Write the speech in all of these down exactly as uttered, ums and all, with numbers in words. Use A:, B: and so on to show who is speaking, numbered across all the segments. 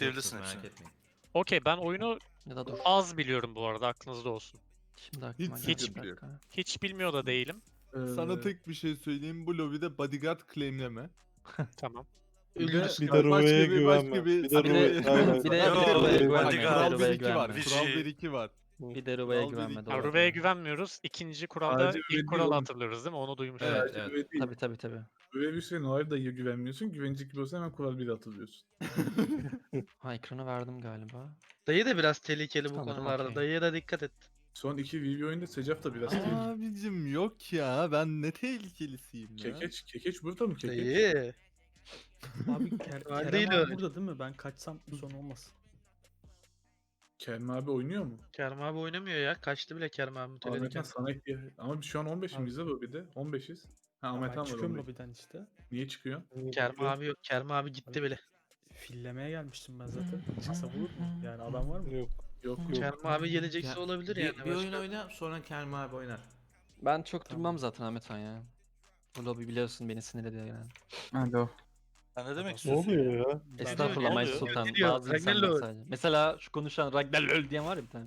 A: ekleyebilirsin
B: merak
A: hepsini.
B: etmeyin.
C: Okey, ben oyunu
D: Ya da dur.
C: az biliyorum bu arada, aklınızda olsun.
D: Şimdi aklıma
E: Hiç
D: geldi.
E: sıkıntı
D: bir
E: yok.
D: dakika.
C: Hiç bilmiyor da değilim.
E: Sana
F: Ee,
E: tek bir şey söyleyeyim. Bu lobide bodyguard claimleme.
C: Tamam.
E: Bir de,
F: Bir de
E: başka
F: Ruve'ye
E: bir-
F: güvenme.
E: başka
F: Bir de
D: Bir de-
F: Ruve... Aynen.
D: bir de-
A: Yo,
D: bir de Ruve'ye
A: bodyguard-
D: güvenme. Bir de
E: Kural bir
D: Ruve'ye
E: iki var.
D: güvenme.
E: Kural
A: Vici.
E: bir iki var.
D: Bir de Ruve'ye
E: Kural bir
D: güvenme.
E: iki.
D: Doğru.
C: Ha, Ruve'ye güvenmiyoruz. İkinci kuralda
G: Sadece
C: ilk
G: Ruve
C: kuralı
G: değil
C: hatırlıyoruz değil mi? Onu duymuştum.
B: Evet,
G: Sadece
B: evet.
G: Ruve değil.
D: Tabii tabii tabii.
G: Ruve bir şey Noir dayıya güvenmiyorsun. Güvenecek gibi olsa hemen kural bir atılıyorsun.
D: Ha, ekranı verdim galiba.
H: Dayı da biraz tehlikeli bu
D: Sanırım
H: konularda.
D: okey.
H: Dayıya da dikkat et.
G: Son iki V V oyunda Secaf da biraz tehlikeli.
E: Abicim yok ya. Ben ne tehlikelisiyim ya.
G: Kekeç, Kekeç burada mı Kekeç?
H: Dayı.
F: Abi Ker
H: Hal
F: Kerem
H: değil
F: abi
H: öyle.
F: burada değil mi? Ben kaçsam son olmasın.
G: Kerem abi oynuyor mu?
H: Kerem abi oynamıyor ya. Kaçtı bile Kerem abi
G: Ahmet'ten
H: mütelediken.
G: sana ihtiyaç. Ama biz şu an on beşimiz de bu bir de. on beşiz. Ha
F: Ya
G: Ahmet
F: ben
G: Han var
F: çıkıyorum
G: on beş.
F: lobiden işte.
G: Niye çıkıyor?
H: Kerem abi yok. Kerem abi gitti bile.
F: Fillemeye gelmiştim ben zaten. Çıksa bulur mu? Yani adam var mı? Yok.
G: Yok yok.
H: Kerem abi gelecekse
B: Ya,
H: olabilir
B: bir,
H: yani.
B: bir oyun
H: başka.
B: oyna sonra Kerem abi oynar.
D: Ben çok durmam zaten Ahmet Han ya. Bu lobi biliyorsun beni sinir ediyor yani.
I: Alo.
A: Sen ne demek
F: Ne
A: istiyorsun?
F: oluyor
A: ya?
D: Estağfurullah
A: Ne
D: May
A: oluyor?
D: Sultan.
H: Ne diyor?
D: Bazı insanlar
H: Ragnarok.
D: sadece. Mesela şu konuşan Ragnarök diyen var ya bir tane.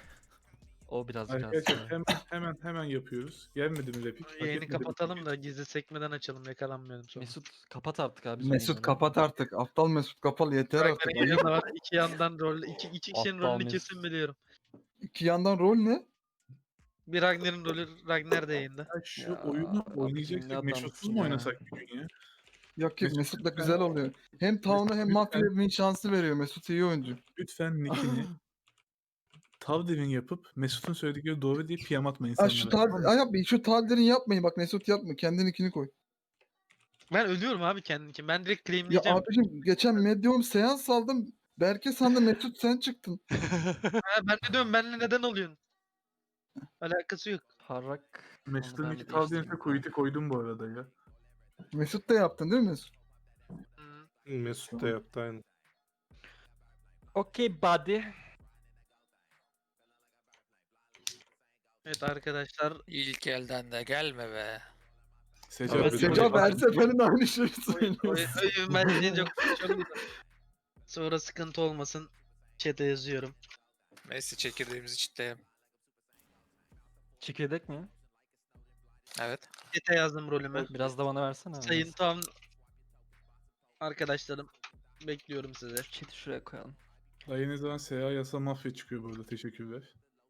D: O biraz biraz.
G: Arkadaşlar hemen hemen hemen yapıyoruz. Gelmedi mi repik? Hak
H: Yayını
G: etmedi mi?
H: kapatalım da gizli sekmeden açalım, yakalanmayalım sonra.
D: Mesut kapat artık abi.
I: Mesut
D: sonunu.
I: kapat artık. Aptal Mesut kapalı yeter artık.
H: Ragnar'ın
I: Ayıp.
H: yanında var. İki yandan rol, iki, iki kişinin
D: Aptal
H: rolünü
D: Mesut.
H: kesin biliyorum.
I: İki yandan rol ne?
H: Bir Ragnar'ın rolü Ragnar da yayında.
G: Ya şu
D: Ya,
G: oyunu
D: Rabbim, ne
G: oynayacaksak
D: adamsın
G: Mesut'suz mu
D: ya.
G: oynasak bir gün ya?
I: Yok yok
G: Mesut
I: Mesut'la
G: lütfen.
I: güzel oluyor. Hem Town'a hem
G: Lütfen.
I: Mafya'ya win şansı veriyor. Mesut iyi oyuncu.
G: Lütfen nickini Tavdevin yapıp Mesut'un söyledikleri doğru diye piyam atma
I: Ha
G: insanlara.
I: şu
G: tamam
I: tal
G: mı?
I: Ay yapmayın. Şu talderin yapmayın. Bak Mesut yapma. Kendin ikini koy.
H: Ben ölüyorum abi kendim için. Ben direkt
I: Ya
H: claimleyeceğim.
I: abicim geçen Medium seans aldım. Berke sandı Mesut sen çıktın.
H: Ha, ben de diyorum benimle neden oluyorsun? Alakası yok.
D: Harrak. onu
G: Mesut'un
D: ben
G: iki
D: bir
G: Tavdevin'e
D: değiştireyim.
G: kuyutu koydum bu arada ya.
I: Mesut da yaptın değil mi Mesut?
H: Hı.
F: Mesut da yaptı aynı.
D: Okey buddy.
H: Evet arkadaşlar.
J: İlk elden de gelme be.
G: Secaf,
F: Evet,
G: Secaf
I: Secaf her
G: abi-
I: seferinde aynı şeyi
H: Oy,
I: söylüyor.
H: oy, oy, ben çok, çok güzel. Sonra sıkıntı olmasın. Chat'e yazıyorum.
J: Messi çekirdeğimizi çitleyelim.
D: Çekirdek mi?
J: Evet.
H: Chat'e yazdım rolümü.
D: Biraz da bana versene. abi.
H: Sayın tam arkadaşlarım. Bekliyorum sizi.
D: Chat'i şuraya koyalım.
G: Dayı ne zaman S A yasa mafya çıkıyor burada. Teşekkürler.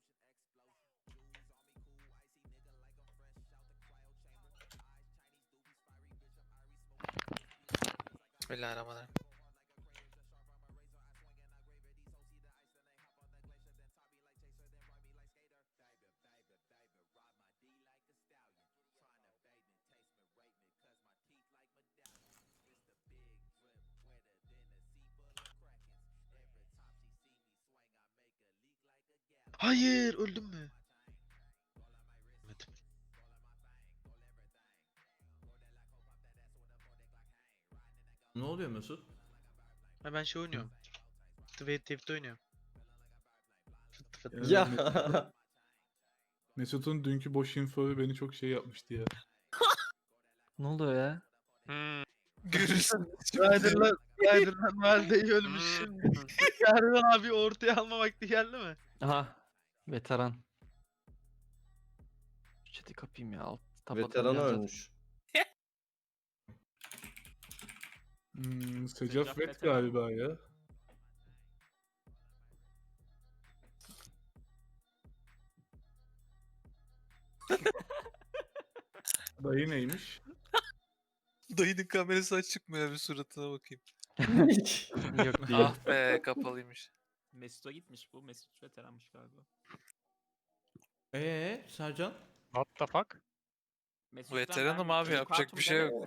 J: Bismillahirrahmanirrahim.
H: Hayır, öldüm mü? Ölmedim.
B: Ne oluyor Mesut?
H: Ha, ben şey oynuyorum. Twitch T V'de oynuyorum. Fıt fıt.
G: Yani
D: Ya.
G: Mesut- Mesut'un dünkü boş info beni çok şey yapmıştı ya.
D: Ne oluyor ya?
C: Hmm.
J: Görürsün.
H: Rider'la Rider'la valideyi ölmüş şimdi. Yarın abi ortaya alma vakti geldi mi?
D: Aha. Veteran. Şu chat'i kapayım ya. Alt, tab
K: Veteran
D: atamıyorum zaten.
K: ölmüş.
G: Hmm, Secaf Vet galiba ya. Dayı neymiş?
J: Dayının kamerası açık mı ya, bir suratına bakayım.
D: Yok değil.
J: Ah be, kapalıymış.
B: Mesut'a gitmiş bu. Mesut veteranmış galiba. Eee Sercan?
C: What the fuck?
J: Veteranım abi, yapacak bir şey yok.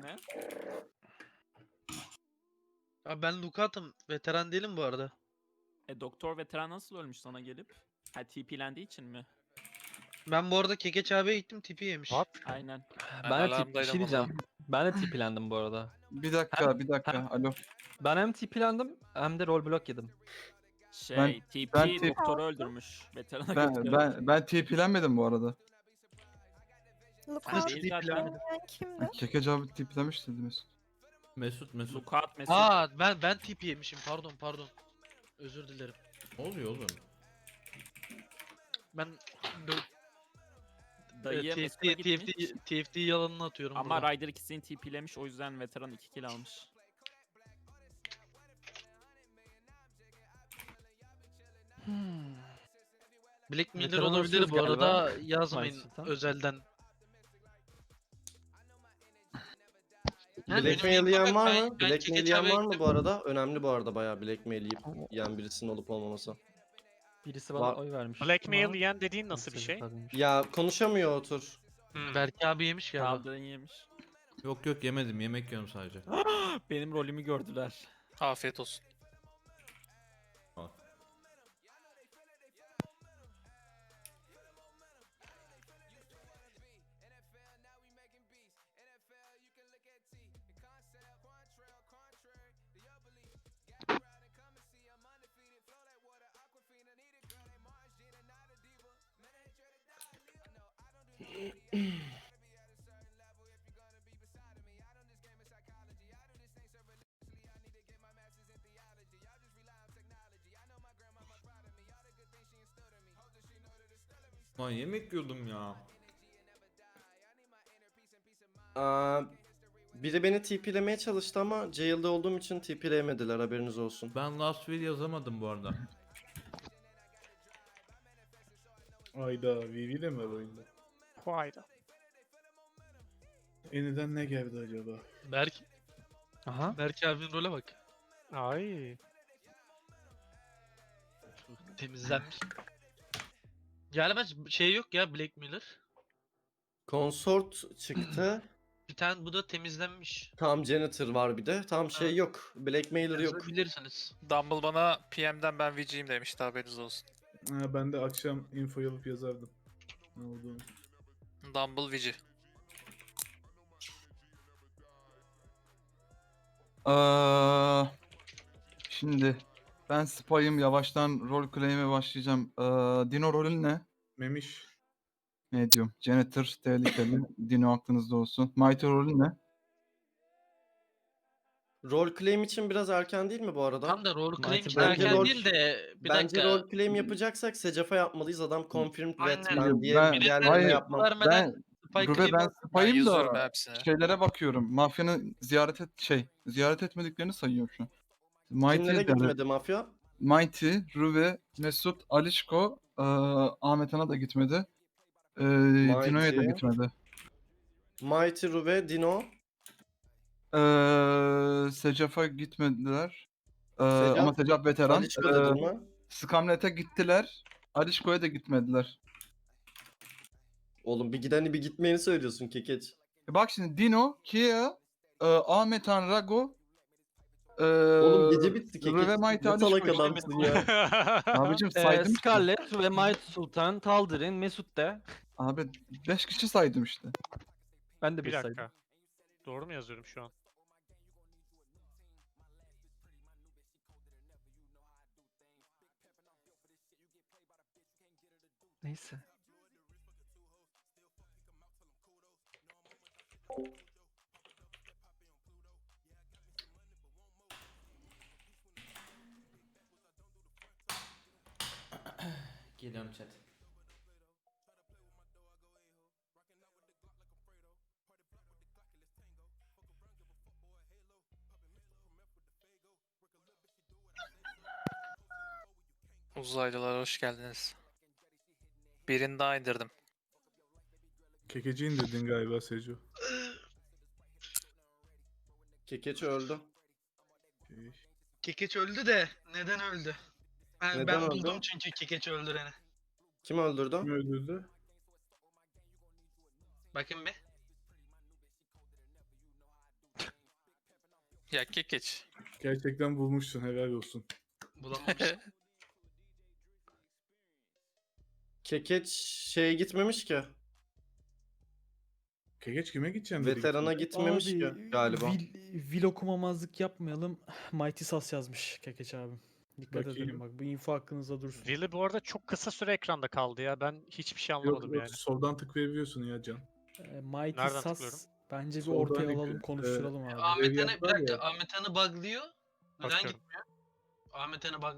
H: Abi ben Lukat'ım. Veteran değilim bu arada.
L: E doktor veteran nasıl ölmüş sana gelip? Ha T P'lendiği için mi?
H: Ben bu arada Kekeç abiye gittim tipi yemiş.
C: What?
L: Aynen.
J: Ben
D: Ben de tip, bir
J: alarmdaydım
D: şey diyeceğim. Ben de tipilendim bu arada.
I: Bir dakika bir dakika. Alo.
D: Ben hem tipilendim hem de rol block yedim.
L: Şey
I: Ben-
L: T P
I: ben T-
L: doktoru öldürmüş. Veterana
I: Ben
L: götürüyor.
I: ben ben T P'lenmedim bu arada.
H: Nasıl
L: Değil zaten.
H: tipilenmedin?
M: Kimdi?
I: Kekec abi tiplemiş dedi Mesut.
B: Mesut Mesut.
L: Lukat Mesut.
H: Aa ben ben tipi yemişim. Pardon pardon. Özür dilerim.
B: Ne oluyor oğlum?
H: Ben
L: Dayıya
H: T
L: Mesut'a
H: F T T F
L: gitmiş.
H: T T F T yalanını atıyorum
L: Ama
H: burada.
L: Ryder ikisini TP'lemiş, o yüzden veteran iki kill almış.
D: Hmm.
H: Black Miller
D: Veteran
H: olabilir
D: olsunuz
H: bu
D: galiba.
H: arada, yazmayın
D: Sultan.
H: özelden.
A: Blackmail yiyen var mı? Blackmail yiyen var mı bu arada? Önemli bu arada bayağı blackmail yiyip yiyen birisinin olup olmaması.
D: Birisi bana
A: Var-
D: oy vermiş.
C: Blackmail
D: ama
C: yiyen dediğin nasıl bir
D: kimse
C: şey?
D: yapmamış.
A: Ya konuşamıyor otur.
C: Hmm.
H: Berke abi yemiş galiba.
L: Kaldırın yemiş.
B: Yok yok yemedim. Yemek yiyorum sadece.
L: Benim rolümü gördüler.
J: Afiyet olsun.
B: Al. Lan yemek yiyordum ya.
A: Aa, biri beni TP'lemeye çalıştı ama jail'de olduğum için TP'leyemediler, haberiniz olsun.
B: Ben last will yazamadım bu arada.
G: Ayda Vivi de mi var oyunda?
C: Hayda.
G: Eniden ne geldi acaba?
H: Berk,
D: Aha.
H: Berke abinin role bak.
C: Ay.
H: Temizlenmiş. Galiba şey yok ya, Black Miller.
A: Consort çıktı.
H: Bir tane bu da temizlenmiş.
A: Tam janitor var bir de. Tam şey yok. Blackmailer yok.
H: Bilirsiniz.
J: Dumble bana P M'den ben V G'yim demişti, haberiniz olsun.
G: Ha, ben de akşam info alıp yazardım. Ne olduğunu.
J: Dumble V G.
I: Aa, şimdi ben spy'ım, yavaştan rol claim'e başlayacağım. Aa, Dino rolün ne?
G: Memiş.
I: Ne diyorum? Janitor tehlikeli. Dino aklınızda olsun. Mighty rolün ne?
A: Role claim için biraz erken değil mi bu arada?
H: Tam da role claim
D: Mighty
H: için
A: Bence
H: erken
A: rol-
H: değil de bir
A: Bence
H: dakika.
A: role claim yapacaksak Secaf'a yapmalıyız. Adam confirmed red
H: Aynen.
A: ben diye
I: Ben-
A: diğerlerine
I: hayır,
A: yapmam.
H: Vermeden
I: Ben
H: Spike
I: Ruve ben
H: claim-
J: Ben
I: spy'ım
J: yazıyorum
I: da
J: hepsine.
I: şeylere bakıyorum. Mafyanın ziyaret et şey ziyaret etmediklerini sayıyorum şu an.
A: Kimlere
I: Mighty,
A: gitmedi mafya?
I: Mighty, Ruve, Mesut, Alişko, eee Ahmet Ana da gitmedi. Eee Dino'ya da
A: Mighty.
I: gitmedi.
A: Mighty, Ruve, Dino.
I: Eee Secaf'a gitmediler. Eee
A: Secaf,
I: ama Secaf veteran.
A: Alişko
I: Eee,
A: dedin mi?
I: Skamlet'e gittiler. Alişko'ya da gitmediler.
A: Oğlum bir gideni bir gitmeyeni söylüyorsun kekeç.
I: E bak şimdi Dino, Kia, eee Ahmet Han, Rago, eee
A: Oğlum gece bitti kekeç.
I: Ruve, Mighty,
A: Ne salak
I: Alişko.
A: adamsın ya.
I: Abicim
D: Ee,
I: saydım işte.
D: Scarlett ve Might Sultan, Taldir'in, Mesut de.
I: Abi beş kişi saydım işte.
D: Ben de
C: Bir
D: bir saydım.
C: dakika. Doğru mu yazıyorum şu an?
D: Neyse.
B: Geliyorum chat.
J: Uzaylılar hoş geldiniz. Birini daha indirdim.
G: Kekeci indirdin galiba Seju.
A: Kekeç öldü.
G: Şey,
H: Kekeç öldü de neden öldü? Ben,
A: Neden
H: ben
A: öldü?
H: buldum çünkü Kekeç öldüreni.
A: Kim öldürdü?
G: Kim öldürdü?
H: Bakın be.
J: Ya kekeç.
G: Gerçekten bulmuşsun, helal olsun.
H: Bulamamış.
A: Kekeç şeye gitmemiş ki.
G: Kekeç kime gideceksin dedi.
A: Veterana gitmemiş ki galiba.
F: Vil, vil okumamazlık yapmayalım. Mighty Sas yazmış Kekeç abim. Dikkat
G: Bakayım.
F: edelim bak, bu info hakkınızda dursun.
C: Willy bu arada çok kısa süre ekranda kaldı ya. Ben hiçbir şey
G: Yok,
C: anlamadım
G: yok,
C: yani.
G: soldan tıklayabiliyorsun ya Can.
F: Ee, Mighty
C: Nereden
F: Sas
C: tıklıyorum?
F: bence bir
G: Soldan
F: ortaya
G: ekle-
F: alalım, konuşturalım abi.
H: Ahmet
G: Ev
H: Han'ı bir
G: yaptılar
H: dakika,
G: ya.
H: Ahmet Han'ı buglıyor. Neden
C: Bakıyorum.
H: gitmiyor? Ahmet Han'ı buglayan.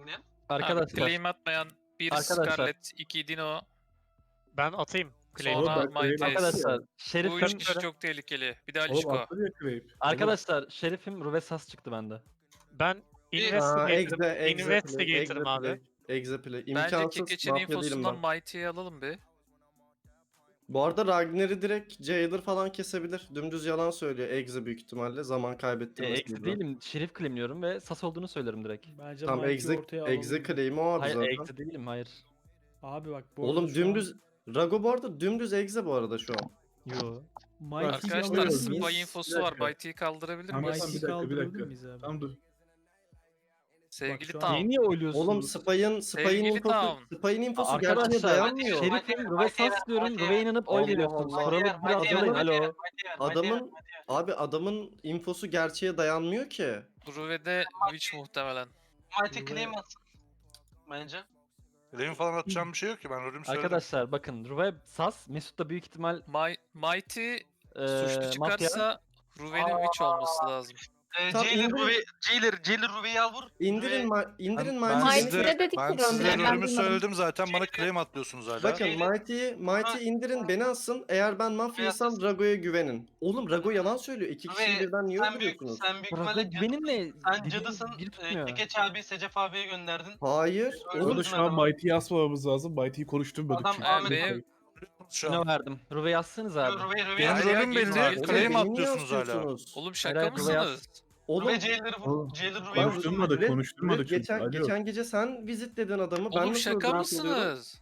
D: Arkadaşlar.
L: Claim atmayan bir
D: Arkadaşlar.
L: Scarlet, iki Dino,
C: Ben atayım. Claim.
G: Oğlum
L: sonra
G: ben Claim
L: Mighty.
D: Arkadaşlar
L: Bu
D: şerifim,
L: üç kişi çok tehlikeli. Bir de
G: Oğlum
L: Alişko.
G: attı ya Grape.
D: arkadaşlar şerifim Ruvesas çıktı bende.
C: Ben
A: Aa,
C: investigator'ım.
A: exe, exe,
C: Investigator'ım
A: exe
C: abi.
A: play, exe play.
L: Bence
A: İmkansız
L: Kekeç'in
A: mafya değilim
L: infosundan
A: ben.
L: Mighty'yi alalım bir.
A: Bu arada Ragnar'ı direkt Jailer falan kesebilir. Dümdüz yalan söylüyor exe büyük ihtimalle. Zaman
D: E,
A: kaybettirmesi.
D: eksi değilim. Şerif claimliyorum ve sas olduğunu söylerim direkt.
F: Bence
A: Tam
F: Mighty'yi
A: exe,
F: ortaya alalım.
A: exe claim'i o abi
D: Hayır
A: zaten.
D: eksi değilim hayır.
F: Abi bak bu
A: Oğlum
F: arada şu an
A: dümdüz Rago bu arada dümdüz exe bu arada şu an.
D: Yo.
F: Mighty'yi
L: Arkadaşlar
F: alalım.
A: Spy
L: spy
A: Bir
L: infosu var.
G: dakika.
L: Mighty'yi kaldırabilir
G: Tamam,
L: miyiz?
G: tamam,
F: Mighty'yi
G: bir dakika, bir
F: kaldırabilir
G: dakika.
F: miyiz abi?
G: Tamam dur.
L: Sevgili
F: şu an-
L: Tam.
D: Niye niye oyluyorsunuz?
A: Oğlum Spy'ın Spy'ın
L: Sevgili
A: infosu,
L: Town.
A: Spy'ın infosu gerçeğe
D: Arkadaşlar
A: dayanmıyor.
D: şerifim Ruvesas diyorum. Ruve'ye inanıp oy
A: Allah
D: veriyorsunuz.
A: Allah.
D: Kuralı biraz
A: Adamın-
D: alayım alo.
A: Adamın abi adamın infosu gerçeğe dayanmıyor ki.
L: Ruve'de Witch muhtemelen.
F: Mighty claim
J: atsın. Bence. Claim falan atacağım bir şey yok ki ben rolümü söyledim.
D: Arkadaşlar bakın Ruve sas, Mesut da büyük ihtimal
L: My, Mighty
D: eee
L: suçlu
D: mafya.
L: çıkarsa Ruve'nin Witch olması lazım.
A: Tam
H: Jailer
A: indirin,
H: Ruby, Jailer, Jailer Ruby'yi al vur.
A: indirin, ma indirin
J: Ben
A: Mighty'yi.
J: size,
K: Mighty'de dedik
J: ben
K: ki rolünü,
J: size
K: ben
J: rolümü
K: duymadım.
J: söyledim zaten bana claim atlıyorsunuz hala.
A: Bakın Mighty'yi Mighty'yi indirin beni asın. Eğer ben mafyaysam Rago'ya güvenin. Oğlum Rago yalan söylüyor. İki kişiyi birden niye öldürüyorsunuz?
H: sen büyük
D: Rago benimle
H: sen
D: dediğim
H: cadısın.
D: bir tutmuyor.
H: Kekeç abi Secef abiye gönderdin.
A: Hayır.
H: Oğlum,
G: Orada şu an Mighty'yi asmamamız lazım. Mighty'yi konuşturmadık
H: Adam
G: çünkü.
H: Ahmet-
L: benim-
J: Şu
D: Ne
J: an.
D: verdim? Ruve yazsınız abi.
H: Ruby, Ruby,
J: Benim
L: Hayır ya,
J: rolüm belli.
L: geliyor.
A: Oğlum,
J: Claim
A: beni niye
J: atlıyorsunuz hala.
A: asıyorsunuz?
L: Oğlum şaka
D: Hayır, Ruve yaz.
L: mısınız?
A: Oğlum
H: Ruby Jailer'ı vur. Jailer Ruby'yi
A: ben-
H: vur.
G: Konuşturmadık,
A: Red-
G: konuşturmadık
A: Red
G: çünkü.
A: geçen,
G: Alo.
A: geçen gece sen vizitledin adamı. ben
L: Oğlum
A: nasıl
L: şaka
A: öldürmüş oluyorum?
L: mısınız?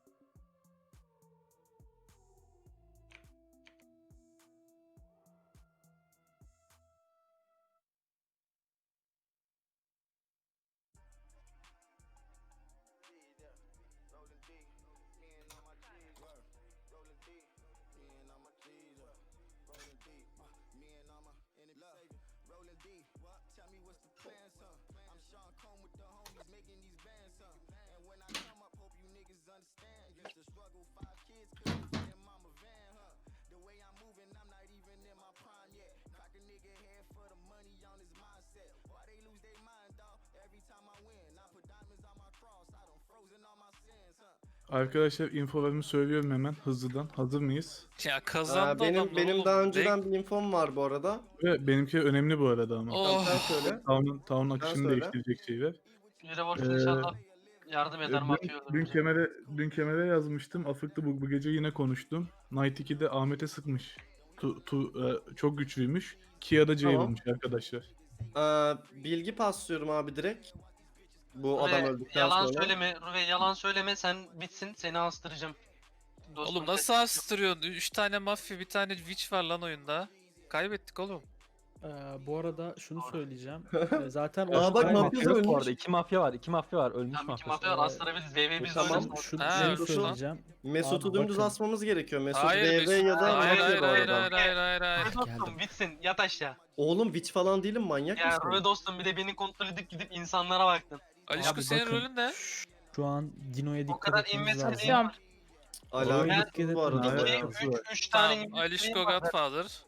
G: Arkadaşlar infolarımı söylüyorum hemen hızlıdan. Hazır mıyız?
L: Ya
A: Aa,
L: kazandı
A: benim
L: adamlar
A: benim
L: oğlum.
A: daha
L: Bek-
A: önceden bir infom var bu arada.
G: Ve benimki önemli bu arada ama.
L: Oh.
A: Sen söyle.
G: Town'un Town'un akışını
A: söyle.
G: değiştirecek şeyler.
H: Revolver
G: Ee,
H: inşallah yardım
G: E,
H: eder
G: Dün,
H: mafya
G: dün
H: öldürmeye.
G: kemere dün kemere yazmıştım. Afıklı bu, bu gece yine konuştum. Night iki'de Ahmet'e sıkmış. Tu, tu, e, çok güçlüymüş. Kia'da Jailer'mış arkadaşlar.
A: Aa, bilgi paslıyorum abi direkt. Bu
H: Ruby,
A: adam öldükten
H: yalan
A: sonra.
H: söyleme Ruby, yalan söyleme sen bitsin seni astıracağım. Dostum,
L: Oğlum nasıl astırıyorsun? üç tane mafya bir tane witch var lan oyunda. Kaybettik oğlum.
F: Ee, bu arada şunu söyleyeceğim. Ee, zaten
A: Aa,
F: o-
A: bak,
F: Aynen.
A: mafya
D: Mafya yok bu
A: ölmüş.
D: arada. İki mafya var. iki mafya var. Ölmüş
H: Tamam, iki
D: mafya.
H: mafya var astırabiliriz. V V biz
A: Tamam,
H: oynarız.
F: Şunu,
L: Ha,
F: şunu
L: ölmüş lan.
F: söyleyeceğim.
A: Mesut'u
F: Abi
A: dümdüz
F: bakın.
A: asmamız gerekiyor. Mesut
L: Hayır,
A: V V
L: Mesut-
A: ya da
L: hayır,
A: mafya
L: hayır,
A: bu
L: hayır,
A: arada.
L: hayır, hayır, hayır, hayır.
H: Ruby dostum bitsin yat aşağı.
A: Oğlum witch falan değilim, manyak
H: Ya
A: mısın?
H: Ruby dostum bir de beni kontrol edip gidip insanlara baktın.
L: Alişko
F: Abi
L: senin
F: bakın,
L: rolün ne?
F: Şu an Dino'ya
H: O
F: dikkat
H: kadar
F: etmemiz
H: inmesi
F: lazım.
K: Tamam.
A: Alakasız
F: Ben-
A: bu arada.
G: Evet.
A: alakasız var.
H: üç tane
L: Tamam, Alişko Godfather.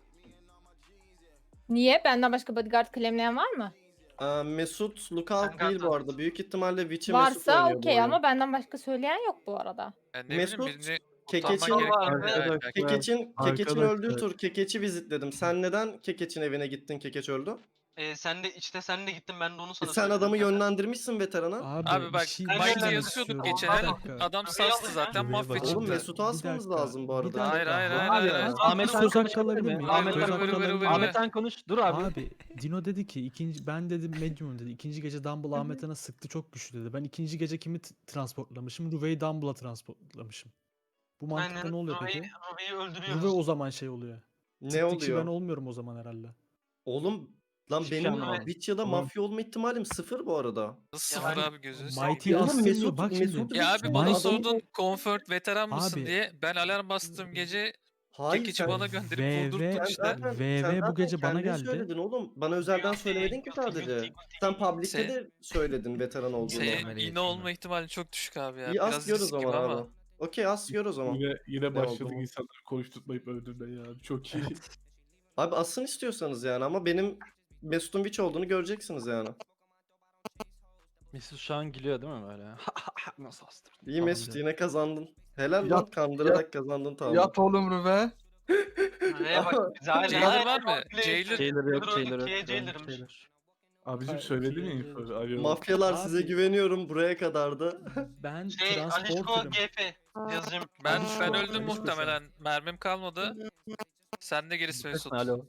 K: Niye? Benden başka bodyguard claimleyen var mı?
A: Aa, Mesut lookout
H: Ben
A: değil bu
H: Godfather.
A: arada. Büyük ihtimalle witch'i Mesut
K: Varsa
A: oynuyor bu
K: okey
A: oyunu.
K: ama benden başka söyleyen yok bu arada.
L: Yani ne
A: Mesut,
L: bileyim birini
A: Kekeç'in,
L: kurtarman gerekiyor.
H: Arkadaşlar,
L: Yani belki-
A: Kekeç'in, Kekeç'in
G: Arkadaşlar.
A: öldüğü tur Kekeç'i vizitledim. Sen neden Kekeç'in evine gittin, Kekeç öldü?
H: Ee, sen de işte sen de gittin ben de onu
A: E
H: sana
A: sen
H: söyledim
A: adamı
H: zaten.
A: yönlendirmişsin veterana.
F: Abi,
L: Abi
F: bir
L: bak
F: şey-
H: Ben
F: bir şey
L: Mighty
H: Aynen.
F: demek
L: yazıyorduk
F: istiyorum.
L: geçen
F: Bir
L: el.
F: dakika.
L: Adam sastı zaten
F: Buraya
L: mafya
F: bakın.
A: Oğlum
L: çıktı.
A: Mesut'u
F: Bir
A: asmamız
F: dakika,
A: lazım bu
F: bir
A: arada.
F: dakika.
L: Hayır, hayır, hayır,
F: Abi,
L: hayır, hayır.
F: Ahmet
D: Söz
F: söz
D: hakkı
F: hakkı alabilir
D: alabilir
F: miyim?
D: miyim?
F: Ahmet
L: Vır,
F: söz
L: vır,
F: hakkı
L: vır, vır,
F: alabilir
L: vır,
F: miyim?
L: vır.
D: Ahmet'ten konuş. Dur abi.
F: Abi Dino dedi ki ikinci ben dedim medium dedi. İkinci gece Dumble Ahmet'e sıktı çok güçlü dedi. Ben ikinci gece kimi t- transportlamışım? Ruve'yi Dumble'a transportlamışım. Bu mantıkta
H: Aynen
F: ne oluyor
H: Ruby'yi
F: peki?
H: Ruby'yi
F: Ruve
H: öldürüyoruz.
F: o zaman şey oluyor.
A: Ne
F: Tık kişi ben
A: oluyor?
F: olmuyorum o zaman herhalde.
A: Oğlum lan
D: Hiçbir şey
A: benim
D: anlamadım.
A: witch ya da
G: Tamam.
A: mafya olma ihtimalim sıfır bu arada.
L: Nasıl
H: Ya
L: sıfır
H: ben-
L: abi gözünü seveyim.
F: Mighty
A: Oğlum
F: astırmıyor.
A: Mesut-
F: Bak şimdi.
A: Mesut-
L: Ya abi bana
A: Adamı-
L: sordun comfort veteran mısın
F: Abi.
L: diye. Ben alarm bastığım gece
A: Hayır
L: Kekeç'i
A: sen,
L: bana gönderip
F: V V
L: vurdurdun
A: sen
L: işte.
A: zaten,
F: V V
A: sen
F: bu
A: zaten
F: gece bana
A: kendin
F: geldi.
A: söyledin oğlum. Bana özelden söylemedin ki sadece. Sen public'te
L: Sen-
A: de söyledin veteran olduğunu.
L: Senin yine olma ihtimali çok düşük abi ya.
A: İyi as
L: Biraz
A: gör o
L: risk gibi
A: zaman
L: ama.
A: abi. Okey as gör o zaman.
G: Yine, yine
A: Ne
G: başladık
A: oldu?
G: insanları konuşturmayıp öldürmeye ya. Çok iyi.
A: Abi asın istiyorsanız yani ama benim Mesut'un witch olduğunu göreceksiniz yani.
D: Mesut şu an gülüyor değil mi böyle? Nasıl astırdım?
A: İyi
D: falan
A: Mesut
D: diyor.
A: yine kazandın. Helal
I: Yat-
A: lan kandırarak kazandın tamam.
I: Yat oğlum Rüve.
H: Neye bak biz hala
J: Jailer var mı? Jailer.
D: Jailer yok,
H: Dur,
D: Jailer
H: ikiye
D: yok.
H: Jailer'mış.
D: Jailer.
G: Abicim
F: Ay,
G: söyledim ya
F: ikiye
G: infoyu. Alo.
A: Mafyalar size
F: Abi.
A: güveniyorum buraya kadardı.
F: Ben
H: Şey Alişko
F: transporter'ım.
H: G P yazacağım.
J: Ben
F: Alişko,
J: ben öldüm
F: Alişko
J: muhtemelen. Mermim kalmadı. Sen de gerisi Mesut.
D: Alo.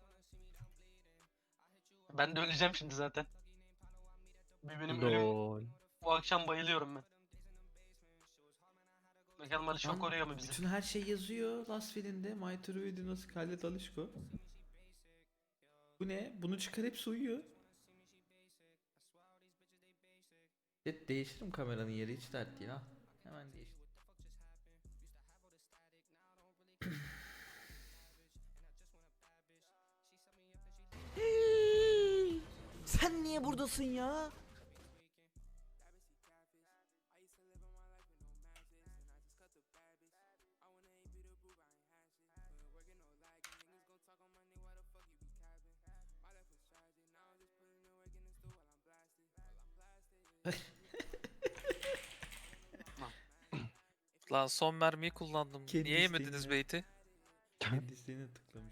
H: Ben de öleceğim şimdi zaten. Bir benim ölüm.
D: Lol.
H: Bu akşam bayılıyorum ben. Bakalım Alişko
B: Lan,
H: koruyor mu bizi?
B: Bütün her şey yazıyor Last Will'inde. My True Dino Scarlet Alişko. Bu ne? Bunu çıkar hepsi uyuyor. Evet, değiştiririm kameranın yeri hiç dert değil ha. Hemen değiştir. Sen niye buradasın ya?
J: Lan son mermiyi kullandım.
B: Kendi
J: Niye yemediniz
B: isteğinle.
J: beyti?
B: Kendisini tıklamış.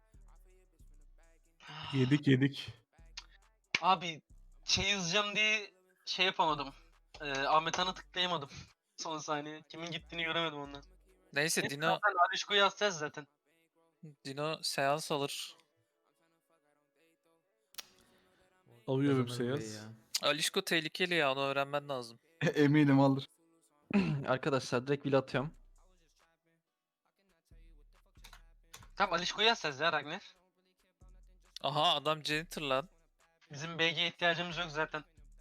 G: Yedik yedik.
H: Abi şey yazacağım diye şey yapamadım. Ee, Ahmet Han'a tıklayamadım. Son saniye. Kimin gittiğini göremedim ondan.
J: Neyse Dino
H: Zaten Alişko'yu yazacağız zaten.
J: Dino seans alır.
G: Alıyorum
B: Kazanır burayı
G: Seyaz.
B: ya.
J: Alişko tehlikeli ya, onu öğrenmen lazım.
I: Eminim alır.
D: Arkadaşlar direkt will atıyorum.
H: Tamam Alişko'yu yazacağız ya Ragnar.
J: Aha adam janitor lan.
H: Bizim B G'ye ihtiyacımız yok zaten.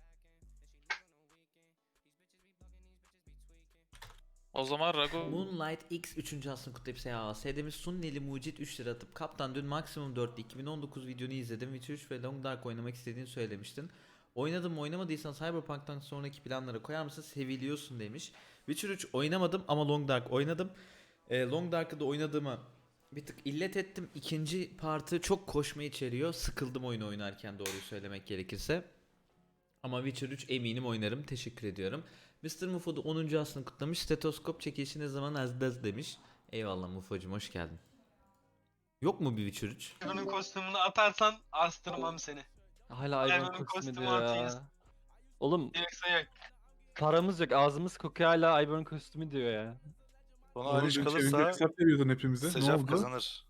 J: O zaman Rago
B: Moonlight X üçüncü aslını kutlayıp S A A. S D'miz Sunneli Mucit üç lira atıp kaptan dün maksimum dörtte iki bin on dokuz videonu izledim. Witcher üç ve Long Dark oynamak istediğini söylemiştin. Oynadım mı oynamadıysan Cyberpunk'tan sonraki planlara koyar mısın? Seviliyorsun demiş. Witcher üç oynamadım ama Long Dark oynadım. Ee, Long Dark'ı da oynadığımı bir tık illet ettim. İkinci partı çok koşma içeriyor. Sıkıldım oyunu oynarken doğruyu söylemek gerekirse. Ama Witcher üç eminim oynarım. Teşekkür ediyorum. mister Mufo da onuncu aslını kutlamış. Stetoskop çekilişi ne zaman azdaz demiş. Eyvallah Mufo'cum hoş geldin. Yok mu bir Witcher üç?
H: Bunun kostümünü atarsan astırmam seni.
D: Hala
H: Ivan'ın
D: Ivan kostümü
H: kostümü
D: diyor
H: atayız.
D: ya. Oğlum
H: Yoksa yok.
D: paramız yok, ağzımız kokuyor, hala Ivan kostümü diyor ya.
E: Bana
G: Oğlum
E: Aliş
G: dün
E: kalırsa
G: çevirecek hesap veriyordun hepimize. Ne
E: Secaf
G: oldu?
E: kazanır.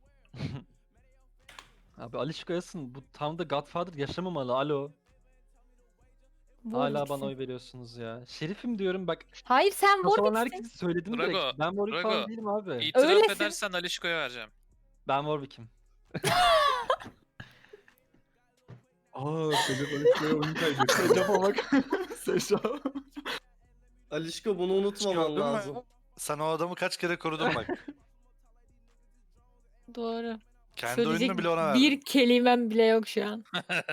D: Abi Alişko yazsın, bu tam da Godfather yaşamamalı, alo.
K: Bu
D: Hala
K: gitsin.
D: bana oy veriyorsunuz ya. Şerifim diyorum bak.
K: Hayır sen
D: Kafalan
K: Warwick'sin.
D: herkesi söyledim
J: Drago,
D: direkt. Ben Warwick falan
J: Drago.
D: değilim abi.
J: İtiraf
K: Öylesin.
J: edersen Alişko'ya vereceğim.
D: Ben Warwick'im.
G: Aa Secaf Alişko'ya oyun kaybetti.
I: Secaf'a bak. Secaf.
A: Alişko bunu unutmaman
E: Gördün mü?
A: lazım.
E: Sen o adamı kaç kere korudun bak.
K: Doğru.
E: Kendi
K: Söyleyecek
E: oyununu bile ona verdin.
K: bir kelimem bile yok şu an.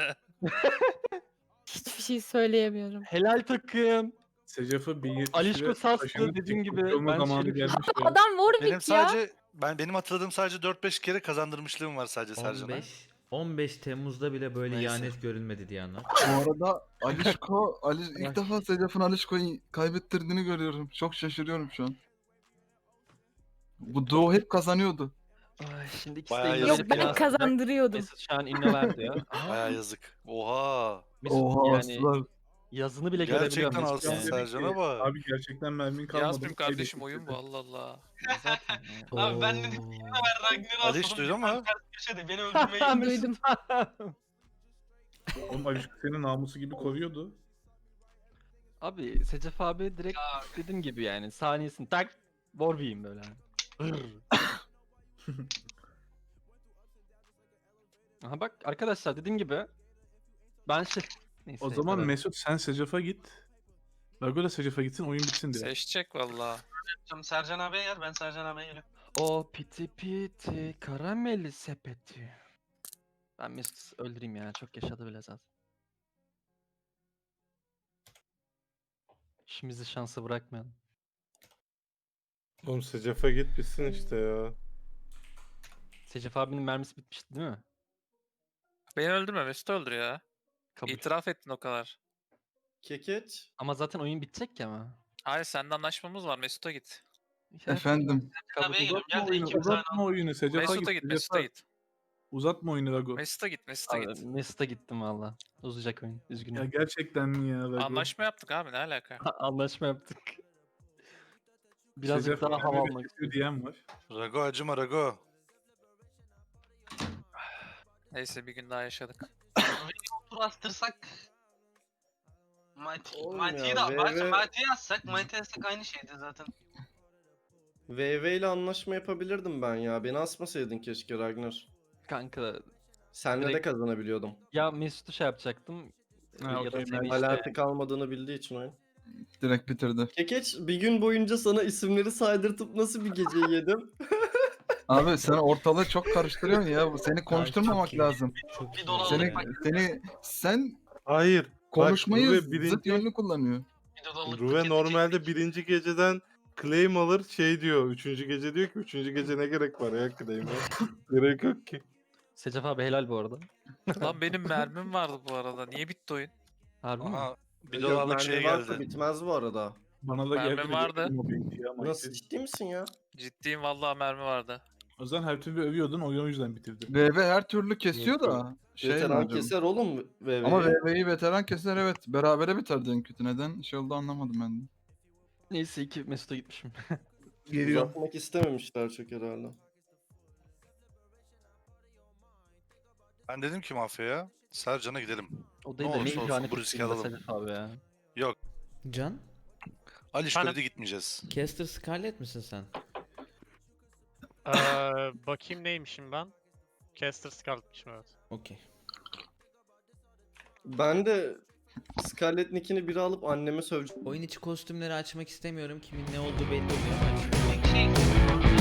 K: Hiçbir şey söyleyemiyorum.
D: Helal takım.
G: Secaf'ı bin yetmiş
D: Alişko
G: lira
D: sastı
G: taşınıp
D: dediğin gibi.
G: TikTokçu olma
D: Ben
G: zamanı
D: Şerif'im.
G: gelmiş ya.
K: Adam Warwick
E: Benim
K: ya.
E: sadece ben benim hatırladığım sadece dört beş kere kazandırmışlığım var sadece Sercan'a.
B: on beş on beş Temmuz'da bile böyle
E: Neyse.
B: ihanet görülmedi diye anlat.
I: Bu arada Alişko, Ali, ilk defa Secaf'ın Alişko'yu kaybettirdiğini görüyorum. Çok şaşırıyorum şu an. Bu duo hep kazanıyordu.
D: Ay, şimdi ikisi de
E: Bayağı
D: İngilizce
K: Yok
E: yazık
K: ben
D: biraz sıcak.
K: kazandırıyordum.
D: Mesut şu an inno verdi ya.
E: Baya yazık. Oha.
D: Mesut
I: Oha
D: yani
I: aslan.
D: yazını bile
E: Gerçekten
D: görebiliyorum. Mesut
E: aslında
D: yani.
G: Dedik ki,
E: Sercan'a bak.
G: Abi gerçekten mermin kalmadı.
J: Yazmayayım kardeşim,
G: kaybettik
J: oyun
G: dedi.
J: bu, Allah Allah.
D: Zaten ya.
H: Abi ben dedim ki ben Ragnar'ı
E: Aliş
H: asladım.
E: duydun mu?
H: Köşede beni öldürmeyi
K: Duydum.
G: Oğlum Alişko senin namusu gibi koruyordu.
D: Abi Secef abi direkt
H: Ya.
D: dediğim gibi yani saniyesini tak Warwick'im böyle. Hırr. Aha bak arkadaşlar dediğim gibi ben şey neyse.
G: O zaman
D: evet.
G: Mesut sen Secaf'a git. Rago da Secaf'a gitsin oyun bitsin diye.
J: Seçecek valla.
H: yapacağım. Sercan abiye gel, ben Sercan abiye geliyorum.
D: O piti piti karameli sepeti. Ben Mesut öldüreyim ya, çok yaşadı bile zaten. İşimizi şansa bırakmayalım.
E: Oğlum Secaf'a git bitsin işte ya.
D: Secef abinin mermisi bitmişti değil mi?
J: Beni öldürme, Mesut öldür ya.
D: Kabul.
J: İtiraf ettin o kadar.
A: Kekeç.
D: Ama zaten oyun bitecek ki ama.
J: Hayır sende anlaşmamız var. Mesut'a git.
I: Efendim.
H: Tabii geliyorum.
G: Uzatma
H: Gel de
G: oyunu,
H: ikimiz aynı
G: uzatma oyunu. Secef'a
J: Mesut'a
G: git.
J: git. Mesut'a
G: Secef'a.
J: git.
G: Uzatma oyunu Rago.
J: Mesut'a git. Mesut'a
D: Abi,
J: git.
D: Mesut'a gittim valla. Uzayacak oyun. Üzgünüm.
G: Ya gerçekten mi ya Rago?
J: Anlaşma yaptık abi ne alaka?
D: Anlaşma yaptık. Birazcık
G: Secef
D: daha hava
G: kendine
D: almak
G: kesiyor
D: istedim.
G: diyen var.
E: Rago acıma Rago.
J: Neyse bir gün daha yaşadık.
H: tur astırsak Mighty,
A: Oğlum
H: Mighty'yi
A: ya,
H: de
A: V
H: belki
A: V
H: Mighty'yi yazsak, Mighty yazsak aynı şeydi zaten.
A: V V ile anlaşma yapabilirdim ben ya. Beni asmasaydın keşke Ragnar.
D: Kanka
A: Senle de
D: Direkt-
A: kazanabiliyordum.
D: ya Mesut'u şey yapacaktım.
G: Ha,
D: ya da
G: okey,
D: seni
G: ben-
D: işte-
A: Alati kalmadığını bildiği için oyun.
I: Direkt bitirdi.
A: Kekeç bir gün boyunca sana isimleri saydırtıp nasıl bir geceyi yedim?
I: Abi sen ortalığı çok karıştırıyorsun ya. Seni konuşturmamak
F: çok iyi.
I: lazım.
F: Çok
H: Bir
F: iyi.
H: dolarlık
I: Seni
H: bak-
I: seni sen
E: Hayır.
I: konuşmayı
E: Ruve
I: zıt
E: birinci-
I: yönlü kullanıyor.
H: Bir de dolarlık
E: Ruve
H: paketi
E: normalde
H: çektik.
E: birinci geceden claim alır şey diyor. Üçüncü gece diyor ki üçüncü gece ne gerek var ya claim'e. Gerek yok ki.
D: Secef abi helal bu arada.
J: Lan benim mermim vardı bu arada. Niye bitti oyun?
D: Harbi mi?
E: Aha. Bir
A: Yok,
E: dolarlık
A: mermi
E: şey
A: varsa
E: geldi.
A: bitmez bu arada.
G: Bana da
J: Mermi
G: geldi.
J: vardı.
A: Nasıl, ciddi misin ya?
J: Ciddiyim vallahi mermi vardı.
G: O zaman her türlü övüyordun oyun o yüzden bitirdi.
I: V V her türlü kesiyor
A: Yok,
I: da. Şey
A: Veteran
I: madem.
A: keser oğlum V V'yi.
I: Ama V V'yi veteran keser evet. Berabere biterdi en kötü. Neden şey oldu anlamadım ben de.
D: Neyse ki Mesut'a gitmişim.
G: Geliyor.
A: Uzatmak istememişler çok herhalde.
E: Ben dedim ki mafyaya Sercan'a gidelim.
D: O değil
E: Ne
D: de ne
E: olursa olsun
D: ihanet
E: bu riski
D: ettiğinde
E: alalım.
D: Secef abi ya.
B: Can?
E: Alişko'ya da gitmeyeceğiz.
B: Caster Scarlet misin sen?
C: Ee, bakayım neymişim ben. Caster Scarlet'mişim evet.
B: Okey.
A: Ben de Scarlet Nick'ini biri alıp anneme söveceğim.
B: Oyun içi kostümleri açmak istemiyorum. Kimin ne olduğu belli oluyor. Aç.
H: Şey,